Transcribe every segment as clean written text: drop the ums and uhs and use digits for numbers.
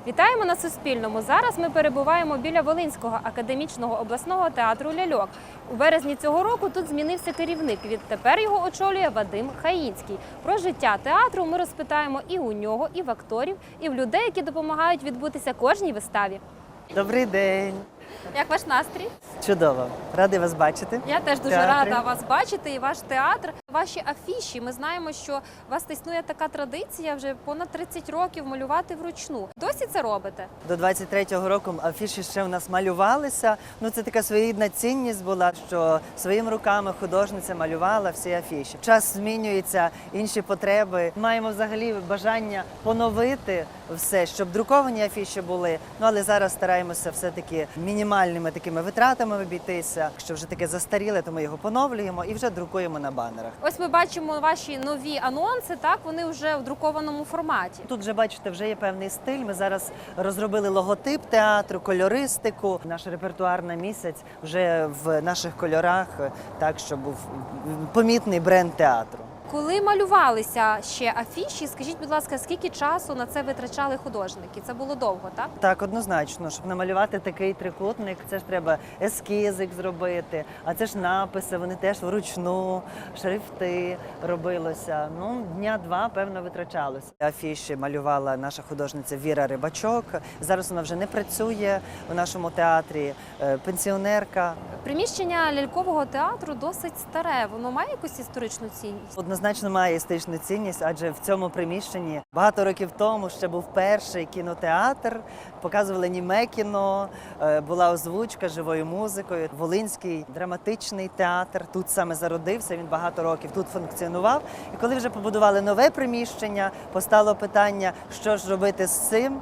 Вітаємо на Суспільному. Зараз ми перебуваємо біля Волинського академічного обласного театру «Ляльок». У березні цього року тут змінився керівник. Відтепер його очолює Вадим Хаїнський. Про життя театру ми розпитаємо і у нього, і в акторів, і в людей, які допомагають відбутися кожній виставі. Добрий день! Як ваш настрій? Чудово! Радий вас бачити. Я теж дуже Театрі. рада вас бачити і ваш театр. Ваші афіші. Ми знаємо, що у вас існує така традиція вже понад 30 років малювати вручну. Досі це робите? До 23-го року афіші ще у нас малювалися. Це така своєрідна цінність була, що своїми руками художниця малювала всі афіші. Час змінюється, інші потреби. Маємо взагалі бажання поновити все, щоб друковані афіші були. Але зараз стараємося все-таки мінімальними такими витратами обійтися. Що вже таке застаріле, то ми його поновлюємо і вже друкуємо на банерах. Ось ми бачимо ваші нові анонси, так? Вони вже в друкованому форматі. Тут вже, бачите, вже є певний стиль. Ми зараз розробили логотип театру, кольористику. Наш репертуар на місяць вже в наших кольорах, так, щоб був помітний бренд театру. Коли малювалися ще афіші, скажіть, будь ласка, скільки часу на це витрачали художники? Це було довго, так? Так, однозначно, щоб намалювати такий трикутник, це ж треба ескізик зробити, а це ж написи, вони теж вручну, шрифти робилося. Дня-два, певно, витрачалося. Афіші малювала наша художниця Віра Рибачок. Зараз вона вже не працює у нашому театрі, пенсіонерка. Приміщення лялькового театру досить старе. Воно має якусь історичну цінність? Однозначно має історичну цінність, адже в цьому приміщенні багато років тому ще був перший кінотеатр, показували німе кіно, була озвучка живою музикою. Волинський драматичний театр тут саме зародився, він багато років тут функціонував. І коли вже побудували нове приміщення, постало питання, що ж робити з цим.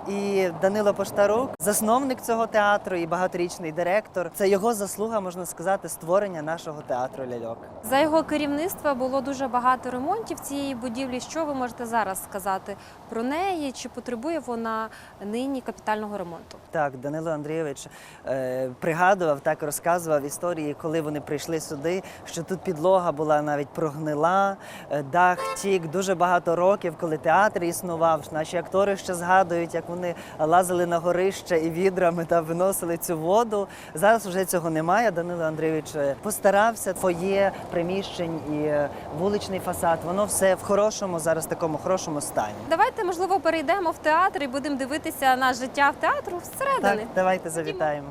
І Данило Поштарук, засновник цього театру і багаторічний директор. Це його заслуга, можна сказати, створення нашого театру «Ляльок». За його керівництва було дуже багато ремонтів цієї будівлі. Що ви можете зараз сказати про неї? Чи потребує вона нині капітального ремонту? Так, Данило Андрійович пригадував, так розказував історії, коли вони прийшли сюди, що тут підлога була навіть прогнила, дах тік дуже багато років, коли театр існував. Наші актори ще згадують, як вони лазили на горище і відрами та виносили цю воду. Зараз вже цього немає. Данило Андрійович постарався. Фоє, приміщень і вуличний фасад, воно все в хорошому, зараз такому хорошому стані. Давайте, можливо, перейдемо в театр і будемо дивитися на життя в театру всередини. Так, давайте завітаємо.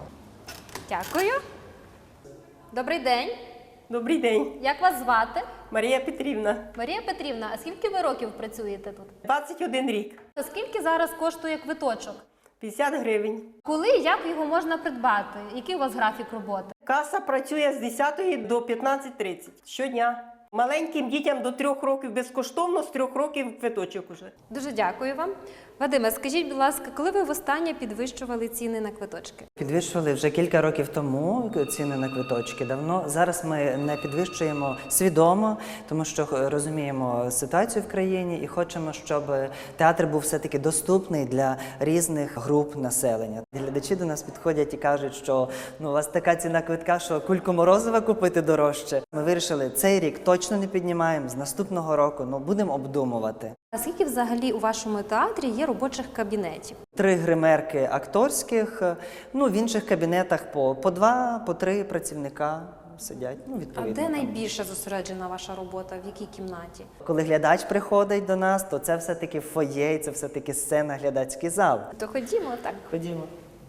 Дякую. Добрий день. Добрий день, Як вас звати? Марія Петрівна. Марія Петрівна, а скільки ви років працюєте тут? 21 рік, Скільки зараз коштує квиточок? 50 гривень. Коли, як його можна придбати? Який у вас графік роботи? Каса працює з 10 до 15:30 щодня. Маленьким дітям до 3 років безкоштовно, з 3 років квиточок уже. Дуже дякую вам. Вадиме, скажіть, будь ласка, коли ви востаннє підвищували ціни на квиточки? Підвищували вже кілька років тому ціни на квиточки. Давно. Зараз ми не підвищуємо свідомо, тому що розуміємо ситуацію в країні і хочемо, щоб театр був все-таки доступний для різних груп населення. Глядачі до нас підходять і кажуть, що у вас така ціна квитка, що кульку морозива купити дорожче. Ми вирішили, цей рік точно не піднімаємо, з наступного року будемо обдумувати. А скільки взагалі у вашому театрі є робочих кабінетів? 3 гримерки акторських, в інших кабінетах по 2, по 3 працівника сидять. А Відповідно. де найбільше зосереджена ваша робота? В якій кімнаті? Коли глядач приходить до нас, то це все-таки фоє, це все-таки сцена, глядацький зал. То ходімо, так. Ходімо.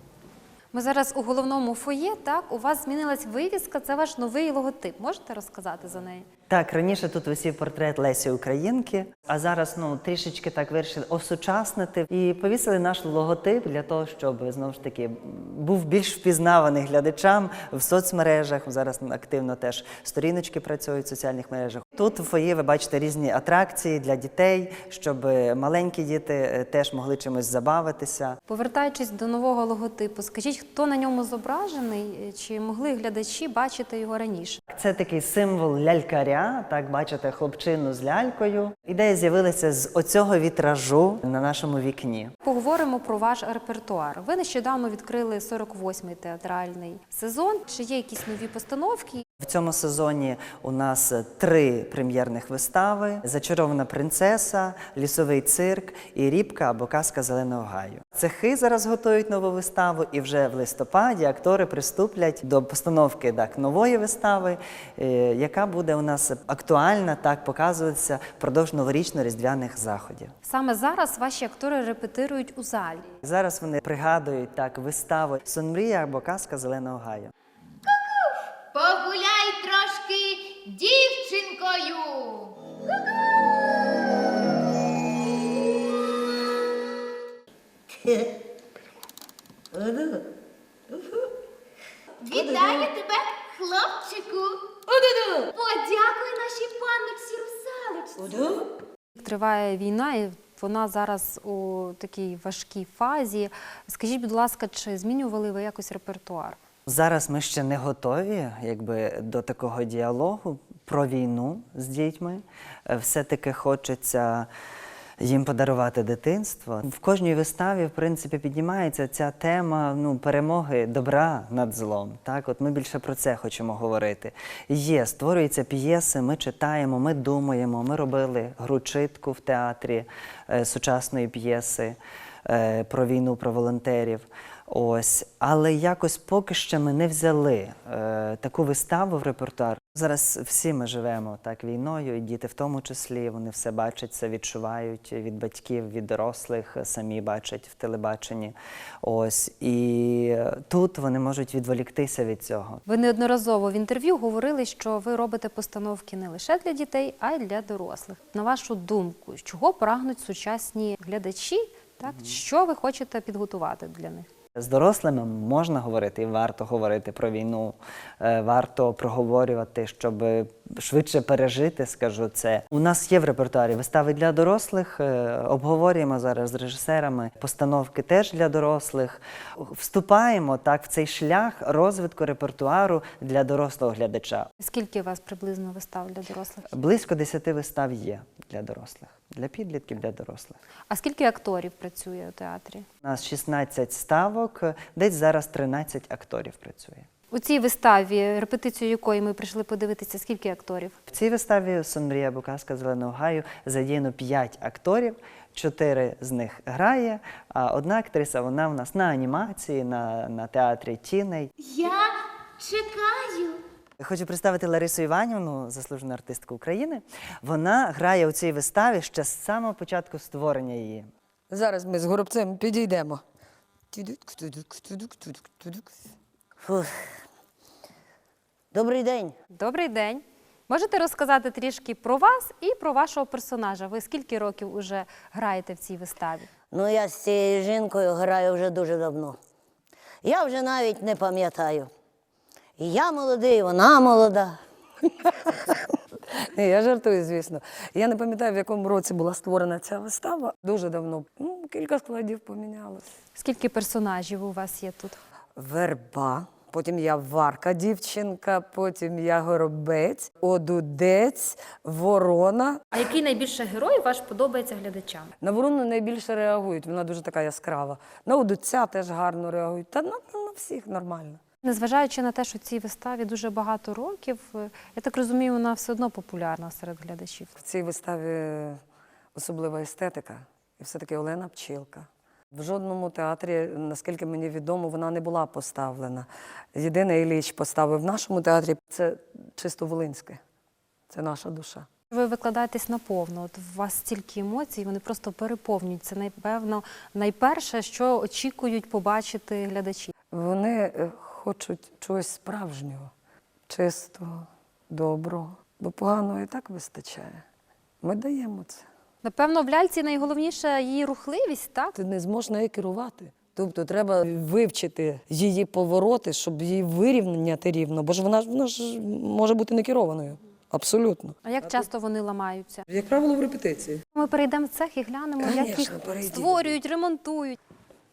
Ми зараз у головному фоє, так? У вас змінилась вивіска, це ваш новий логотип. Можете розказати за неї? Так, раніше тут висів портрет Лесі Українки, а зараз трішечки так вирішили осучаснити і повісили наш логотип для того, щоб, знову ж таки, був більш впізнаваний глядачам в соцмережах. Зараз активно теж сторіночки працюють в соціальних мережах. Тут у фоє ви бачите різні атракції для дітей, щоб маленькі діти теж могли чимось забавитися. Повертаючись до нового логотипу, скажіть, хто на ньому зображений? Чи могли глядачі бачити його раніше? Це такий символ лялькаря, так, бачите, хлопчину з лялькою. Ідея з'явилася з оцього вітражу на нашому вікні. Поговоримо про ваш репертуар. Ви нещодавно відкрили 48-й театральний сезон. Чи є якісь нові постановки? В цьому сезоні у нас 3 прем'єрних вистави: «Зачарована принцеса», «Лісовий цирк» і «Рібка» або «Казка зеленого гаю». Цехи зараз готують нову виставу, і вже в листопаді актори приступлять до постановки нової вистави, яка буде у нас актуальна, показуватися впродовж новорічно-різдвяних заходів. Саме зараз ваші актори репетирують у залі. Зараз вони пригадують виставу «Сон мрія» або «Казка зеленого гаю». Погуляй трошки дівчинкою. Вітаю тебе, хлопчику. Подякуй нашій панночці русалочці. Триває війна, і вона зараз у такій важкій фазі. Скажіть, будь ласка, чи змінювали ви якось репертуар? Зараз ми ще не готові до такого діалогу про війну з дітьми. Все-таки хочеться їм подарувати дитинство. В кожній виставі, в принципі, піднімається ця тема перемоги добра над злом. От ми більше про це хочемо говорити. Створюються п'єси, ми читаємо, ми думаємо. Ми робили гру «Читку» в театрі сучасної п'єси про війну, про волонтерів. Але якось поки що ми не взяли таку виставу в репертуар. Зараз всі ми живемо війною, і діти в тому числі, вони все бачать, все відчувають від батьків, від дорослих, самі бачать в телебаченні. І тут вони можуть відволіктися від цього. Ви неодноразово в інтерв'ю говорили, що ви робите постановки не лише для дітей, а й для дорослих. На вашу думку, чого прагнуть сучасні глядачі? Що ви хочете підготувати для них? З дорослими можна говорити і варто говорити про війну, варто проговорювати, щоб швидше пережити, скажу це. У нас є в репертуарі вистави для дорослих, обговорюємо зараз з режисерами, постановки теж для дорослих. Вступаємо в цей шлях розвитку репертуару для дорослого глядача. Скільки у вас приблизно вистав для дорослих? Близько 10 вистав є для дорослих, для підлітків, для дорослих. А скільки акторів працює у театрі? У нас 16 ставок, десь зараз 13 акторів працює. У цій виставі, репетицію якої ми прийшли подивитися, скільки акторів? В цій виставі «Сон мрія» або «Казка зеленого гаю» задіяно 5 акторів, 4 з них грає, а одна актриса, вона в нас на анімації, на театрі тіней. Я чекаю. Хочу представити Ларису Іванівну, заслужену артистку України. Вона грає у цій виставі ще з самого початку створення її. Зараз ми з Горобцем підійдемо. Добрий день. Добрий день. Можете розказати трішки про вас і про вашого персонажа? Ви скільки років уже граєте в цій виставі? Я з цією жінкою граю вже дуже давно. Я вже навіть не пам'ятаю. І я молодий, і вона молода. Ні, я жартую, звісно. Я не пам'ятаю, в якому році була створена ця вистава. Дуже давно. Кілька складів помінялося. Скільки персонажів у вас є тут? Верба, потім я Варка, дівчинка, потім я Горобець, Одудець, Ворона. А який найбільше герой ваш подобається глядачам? На Ворону найбільше реагують, вона дуже така яскрава. На Одудця теж гарно реагують, та на всіх нормально. Незважаючи на те, що цій виставі дуже багато років, я так розумію, вона все одно популярна серед глядачів. В цій виставі особлива естетика і все-таки Олена Пчілка. В жодному театрі, наскільки мені відомо, вона не була поставлена. Єдине Ілліч поставив в нашому театрі. Це чисто волинське, це наша душа. Ви викладаєтесь наповно, от у вас стільки емоцій, вони просто переповнюють. Це, напевно, найперше, що очікують побачити глядачі. Вони хочуть чогось справжнього, чистого, доброго, бо поганого і так вистачає. Ми даємо це. Напевно, в ляльці найголовніше її рухливість, так? Ти не зможеш нею керувати. Тобто треба вивчити її повороти, щоб її вирівняти рівно, бо ж вона ж може бути не керованою. Абсолютно. А як часто вони ламаються? Як правило, в репетиції. Ми перейдемо в цех і глянемо, як їх Конечно, перейдемо. створюють, ремонтують.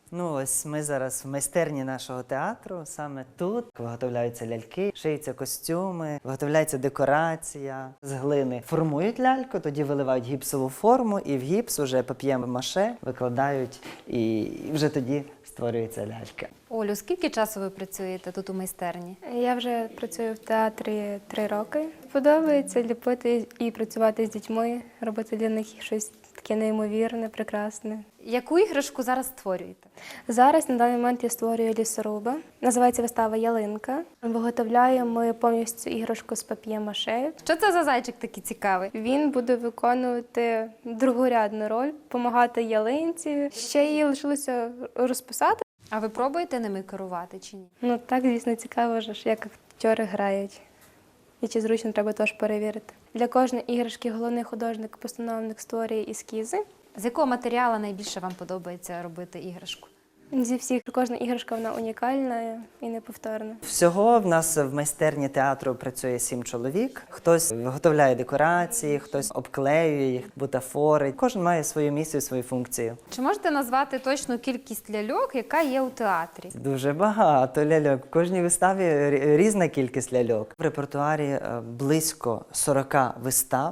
Ну, ось ми зараз в майстерні нашого театру, саме тут виготовляються ляльки, шиються костюми, виготовляється декорація з глини. Формують ляльку, тоді виливають гіпсову форму, і в гіпс уже пап'є-маше викладають, і вже тоді створюється лялька. Олю, скільки часу ви працюєте тут у майстерні? Я вже працюю в театрі 3 роки. Подобається ліпити і працювати з дітьми, робити для них щось таке неймовірне, прекрасне. Яку іграшку зараз створюєте? Зараз на даний момент я створюю лісоруба. Називається вистава «Ялинка». Виготовляємо ми повністю іграшку з пап'є-маше. Що це за зайчик такий цікавий? Він буде виконувати другорядну роль, допомагати ялинці. Ще її лишилося розписати. А ви пробуєте ними керувати чи ні? Ну так, звісно, цікаво, ж, як актори грають. І чи зручно, треба теж перевірити. Для кожної іграшки головний художник-постановник створює ескізи. З якого матеріалу найбільше вам подобається робити іграшку? Зі всіх кожна іграшка вона унікальна і неповторна. Всього в нас в майстерні театру працює 7 чоловік. Хтось виготовляє декорації, хтось обклеює їх, бутафорить. Кожен має свою місію, свою функцію. Чи можете назвати точну кількість ляльок, яка є у театрі? Дуже багато ляльок. В кожній виставі різна кількість ляльок. В репертуарі близько 40 вистав.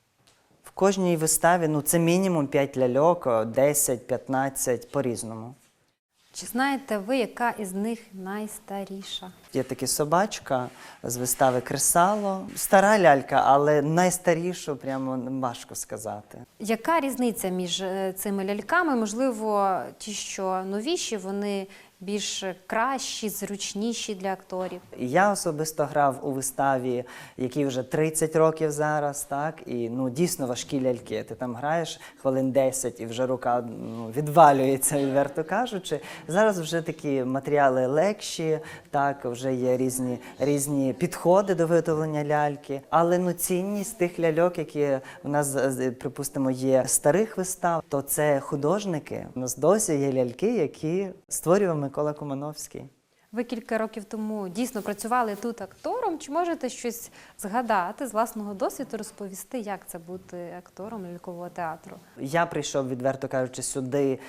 В кожній виставі це мінімум 5 ляльок, 10, 15 по-різному. Чи знаєте ви, яка із них найстаріша? Є така собачка з вистави «Кресало». Стара лялька, але найстарішу прямо важко сказати. Яка різниця між цими ляльками? Можливо, ті, що новіші, вони більш кращі, зручніші для акторів? Я особисто грав у виставі, якій вже 30 років зараз, так, і дійсно важкі ляльки. Ти там граєш хвилин 10 і вже рука відвалюється, відверто кажучи. Зараз вже такі матеріали легші, так, вже є різні підходи до виготовлення ляльки. Але цінність тих ляльок, які у нас, припустимо, є старих вистав, то це художники. У нас досі є ляльки, які створював Микола Кумановський. Ви кілька років тому дійсно працювали тут актором. Чи можете щось згадати з власного досвіду, розповісти, як це бути актором лялькового театру? Я прийшов, відверто кажучи, сюди,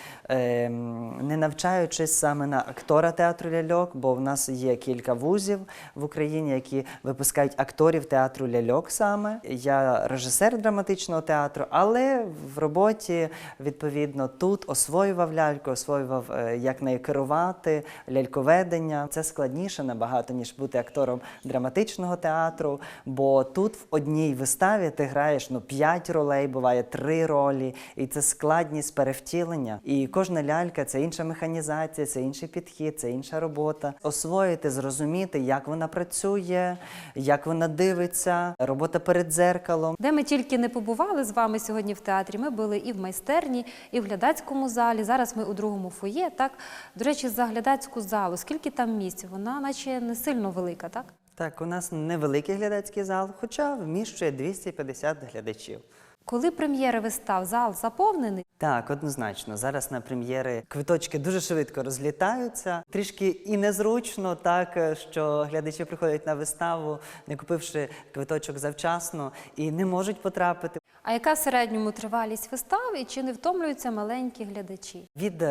не навчаючись саме на актора театру ляльок, бо в нас є кілька вузів в Україні, які випускають акторів театру ляльок саме. Я режисер драматичного театру, але в роботі, відповідно, тут освоював ляльку, освоював, як нею керувати, ляльковедення. Це складніше набагато, ніж бути актором драматичного театру, бо тут в одній виставі ти граєш 5 ролей, буває 3 ролі, і це складність перевтілення. І кожна лялька – це інша механізація, це інший підхід, це інша робота. Освоїти, зрозуміти, як вона працює, як вона дивиться, робота перед дзеркалом. Де ми тільки не побували з вами сьогодні в театрі, ми були і в майстерні, і в глядацькому залі. Зараз ми у другому фоє. Так, до речі, за глядацьку залу. Скільки там місць? Вона наче не сильно велика, так? Так, у нас невеликий глядацький зал, хоча вміщує 250 глядачів. Коли прем'єри вистав, зал заповнений? Так, однозначно. Зараз на прем'єри квиточки дуже швидко розлітаються. Трішки і незручно, так, що глядачі приходять на виставу, не купивши квиточок завчасно, і не можуть потрапити. А яка в середньому тривалість вистав і чи не втомлюються маленькі глядачі? Від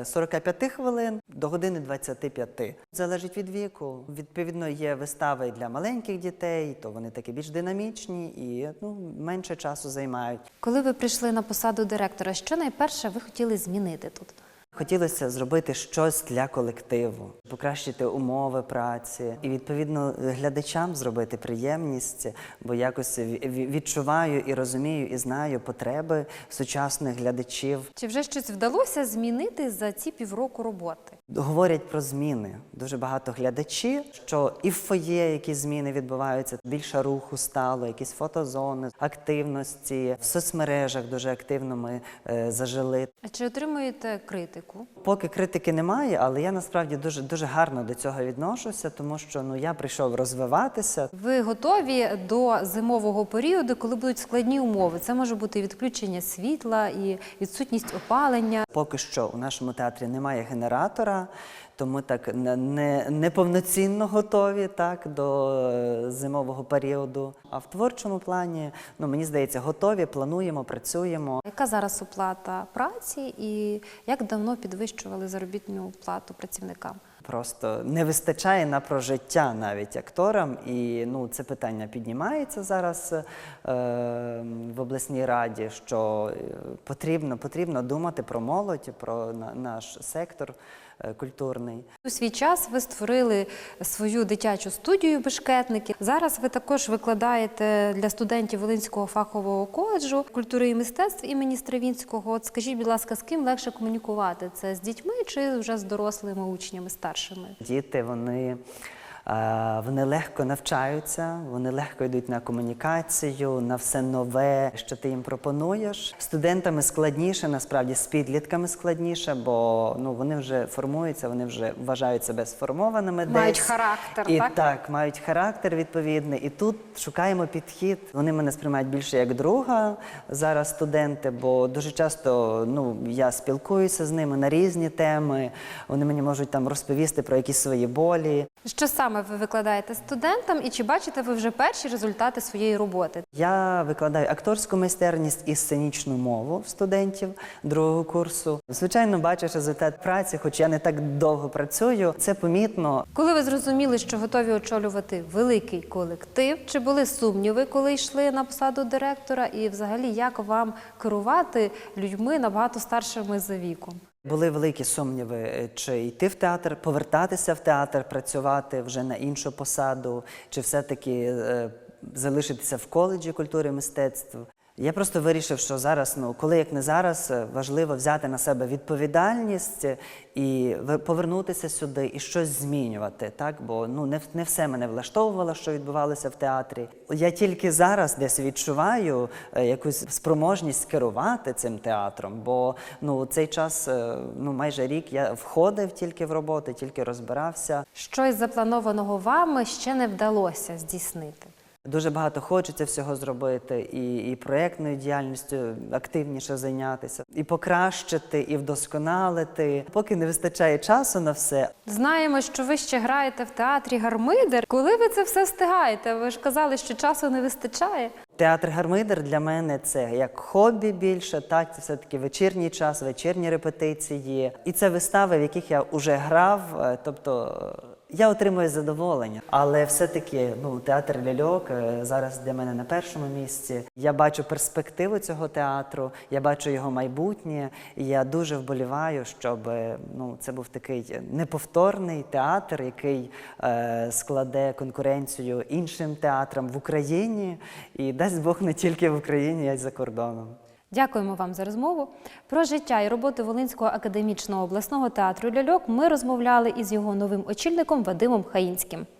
45 хвилин до години 25. Залежить від віку. Відповідно, є вистави і для маленьких дітей, то вони такі більш динамічні і менше часу займають. Коли ви прийшли на посаду директора, що найперше ви хотіли змінити тут? Хотілося зробити щось для колективу, покращити умови праці і, відповідно, глядачам зробити приємність, бо якось відчуваю і розумію, і знаю потреби сучасних глядачів. Чи вже щось вдалося змінити за ці півроку роботи? Говорять про зміни. Дуже багато глядачів, що і в фоє якісь зміни відбуваються, більше руху стало, якісь фотозони, активності. В соцмережах дуже активно ми зажили. А чи отримуєте критику? Поки критики немає, але я насправді дуже гарно до цього відношуся, тому що я прийшов розвиватися. Ви готові до зимового періоду, коли будуть складні умови? Це може бути відключення світла і відсутність опалення. Поки що у нашому театрі немає генератора, робота, тому так неповноцінно готові так, до зимового періоду. А в творчому плані, ну, мені здається, готові, плануємо, працюємо. Яка зараз оплата праці і як давно підвищували заробітну плату працівникам? Просто не вистачає на прожиття навіть акторам, і ну, це питання піднімається зараз в обласній раді, що потрібно думати про молодь, про наш сектор культурний. У свій час ви створили свою дитячу студію «Бешкетники». Зараз ви також викладаєте для студентів Волинського фахового коледжу культури і мистецтв імені Стравінського. От скажіть, будь ласка, з ким легше комунікувати? Це з дітьми чи вже з дорослими учнями, старшими? Діти, вони легко навчаються, вони легко йдуть на комунікацію, на все нове, що ти їм пропонуєш. Студентами складніше, насправді, з підлітками складніше, бо ну, вони вже формуються, вони вже вважають себе сформованими десь. Мають характер, і, так? Так, мають характер відповідний. І тут шукаємо підхід. Вони мене сприймають більше як друга зараз студенти, бо дуже часто ну, я спілкуюся з ними на різні теми, вони мені можуть там розповісти про якісь свої болі. Що саме ви викладаєте студентам і чи бачите ви вже перші результати своєї роботи? Я викладаю акторську майстерність і сценічну мову студентів другого курсу. Звичайно, бачиш результат праці, хоч я не так довго працюю, це помітно. Коли ви зрозуміли, що готові очолювати великий колектив, чи були сумніви, коли йшли на посаду директора? І взагалі, як вам керувати людьми набагато старшими за віком? Були великі сумніви, чи йти в театр, повертатися в театр, працювати вже на іншу посаду, чи все-таки залишитися в коледжі культури і мистецтв. Я просто вирішив, що зараз, ну, коли як не зараз, важливо взяти на себе відповідальність і повернутися сюди і щось змінювати, так? Бо ну, не все мене влаштовувало, що відбувалося в театрі. Я тільки зараз десь відчуваю якусь спроможність керувати цим театром, бо ну, цей час, ну, майже рік я входив тільки в роботи, тільки розбирався. Щось запланованого вами ще не вдалося здійснити? Дуже багато хочеться всього зробити, і проєктною діяльністю активніше зайнятися, і покращити, і вдосконалити. Поки не вистачає часу на все. Знаємо, що ви ще граєте в театрі «Гармидер». Коли ви це все встигаєте? Ви ж казали, що часу не вистачає. Театр «Гармидер» для мене це як хобі більше, так, це все-таки вечірній час, вечірні репетиції. І це вистави, в яких я вже грав, тобто я отримую задоволення. Але все-таки ну, театр ляльок зараз для мене на першому місці. Я бачу перспективу цього театру, я бачу його майбутнє, і я дуже вболіваю, щоб ну, це був такий неповторний театр, який складе конкуренцію іншим театрам в Україні, і дасть Бог не тільки в Україні, а й за кордоном. Дякуємо вам за розмову. Про життя і роботу Волинського академічного обласного театру ляльок ми розмовляли із його новим очільником Вадимом Хаїнським.